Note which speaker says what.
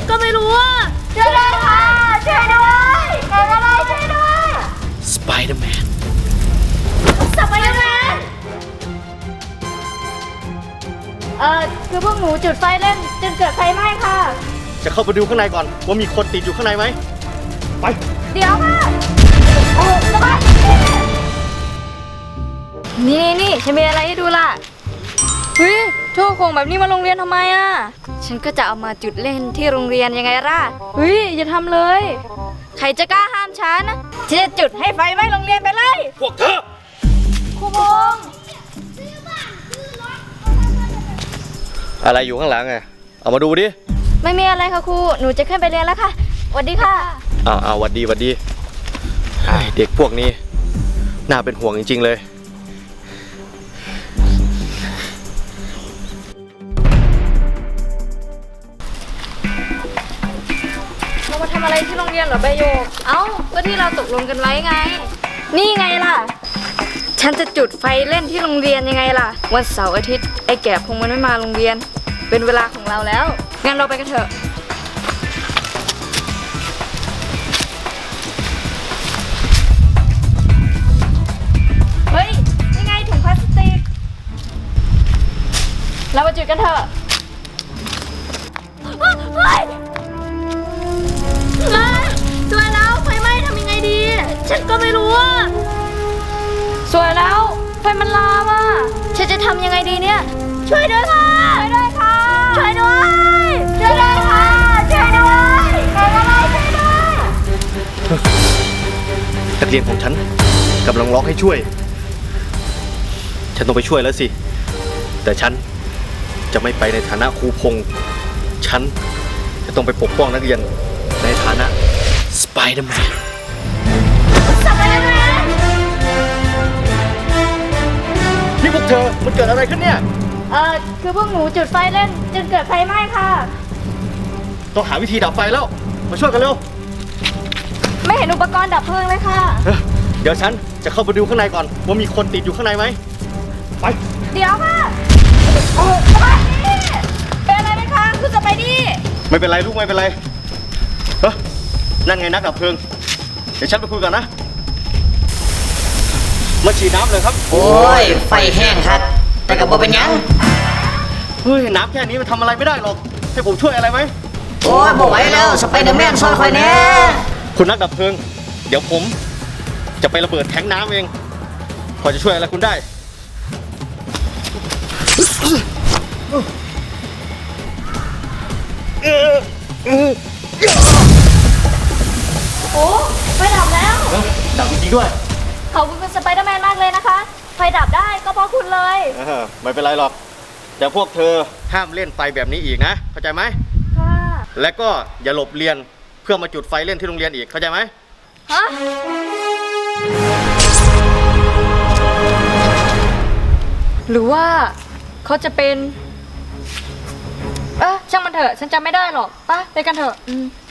Speaker 1: ก็ไม่รู้อ่ะช่วยด้วยค่ะช่วยด้วยใครก็ได้ช่วยด้วย
Speaker 2: สไปเดอร์แมน
Speaker 1: คือพวกหนูจุดไฟเล่นจนเกิดไฟไหม้ค่ะ
Speaker 2: จะเข้าไปดูข้างในก่อนว่ามีคนติดอยู่ข้างในไหมไป
Speaker 1: เดี๋ยวค่ะโอ้สบายนี่ฉันมีอะไรให้ดูล่ะเฮ้ยโชว์ของแบบนี้มาโรงเรียนทำไมอ่ะฉันก็จะเอามาจุดเล่นที่โรงเรียนยังไงล่ะเฮ้ยอย่าทำเลยใครจะกล้าห้ามฉันฉันจะจุดให้ไฟไหม้โรงเรียนไปเลย
Speaker 2: พวกเธอ
Speaker 1: ครูพงษ์
Speaker 2: อะไรอยู่ข้างหลังไงเอามาดูดิ
Speaker 1: ไม่มีอะไรค่ะครูหนูจะขึ้นไปเรียนแล้วค่ะสวัสดีค่ะ
Speaker 2: หวัดดีเด็กพวกนี้น่าเป็นห่วงจริงๆเลย
Speaker 1: เรามาทำอะไรที่โรงเรียนเหรอใบโยกก็ที่เราตกลงกันไว้ไงนี่ไงล่ะฉันจะจุดไฟเล่นที่โรงเรียนยังไงล่ะวันเสาร์อาทิตย์ไอ้แก่คงมันไม่มาโรงเรียนเป็นเวลาของเราแล้วงั้นเราไปกันเถอะเฮ้ยนี่ไงถุงพลาสติกเรามาจุดกันเถอะเฮ้ยสวยแล้วไฟไหม้ทำยังไงดีฉันก็ไม่รู้อ่ะสวยแล้วไฟมันลามอ่ะฉันจะทำยังไงดีเนี่ยช่วยด้วยค่ะช่วยด้วยค่ะช่วยด้วยช่วยด้วยค่ะช่วยด้วยใครก็ได้ช่วยด้วย
Speaker 2: นักเรียนของฉันกำลังร้องให้ช่วยฉันต้องไปช่วยแล้วสิแต่ฉันจะไม่ไปในฐานะครูพงษ์ฉันจะต้องไปปกป้องนักเรียนในฐานะสไปเดอร์แมนนี่พวกเธอมันเกิดอะไรขึ้นเนี่ย
Speaker 1: คือพวกหนูจุดไฟเล่นจนเกิดไฟไหม้ค่ะ
Speaker 2: ต้องหาวิธีดับไฟแล้วมาช่วยกันเร็ว
Speaker 1: ไม่เห็นอุปกรณ์ดับเพลิงเลยค่ะ
Speaker 2: เดี๋ยวฉันจะเข้าไปดูข้างในก่อนว่ามีคนติดอยู่ข้างในไหมไป
Speaker 1: เดี๋ยวค่ะสไปดี้เป็นอะไรไหมคะคุณสไปดี้
Speaker 2: ไม่เป็นไรลูกไม่เป็นไรนั่นไงนักดับเพลิงเดี๋ยวฉันไปคุยกันนะมาฉีดน้ำเลยครับ
Speaker 3: โอ้ยไฟแห้งครับแต่กับโบเป็นยัง
Speaker 2: เฮ้ยน้ำแค่นี้มันทำอะไรไม่ได้หรอกให้ผมช่วยอะไรไหม
Speaker 3: โอ้ยโบไหวแล้วสไปเดอร์แมนช่วยคอยแน่
Speaker 2: คุณนักดับเพลิงเดี๋ยวผมจะไประเบิดแทงน้ำเองพอจะช่วยอะไรคุณได้
Speaker 1: โอ้ไฟดับแล้ว
Speaker 2: ดับจริงด้วย
Speaker 1: ขอบคุณคุณสไปเดอร์แมนมากเลยนะคะไฟดับได้ก็เพราะคุณเลย
Speaker 2: ไม่เป็นไรหรอกแต่พวกเธอห้ามเล่นไฟแบบนี้อีกนะเข้าใจไหม
Speaker 1: ค่ะ
Speaker 2: และก็อย่าหลบเรียนเพื่อมาจุดไฟเล่นที่โรงเรียนอีกเข้าใจไหม
Speaker 1: ฮะหรือว่าเขาจะเป็นช่างมันเถอะฉันจำไม่ได้หรอกไปกันเถอะ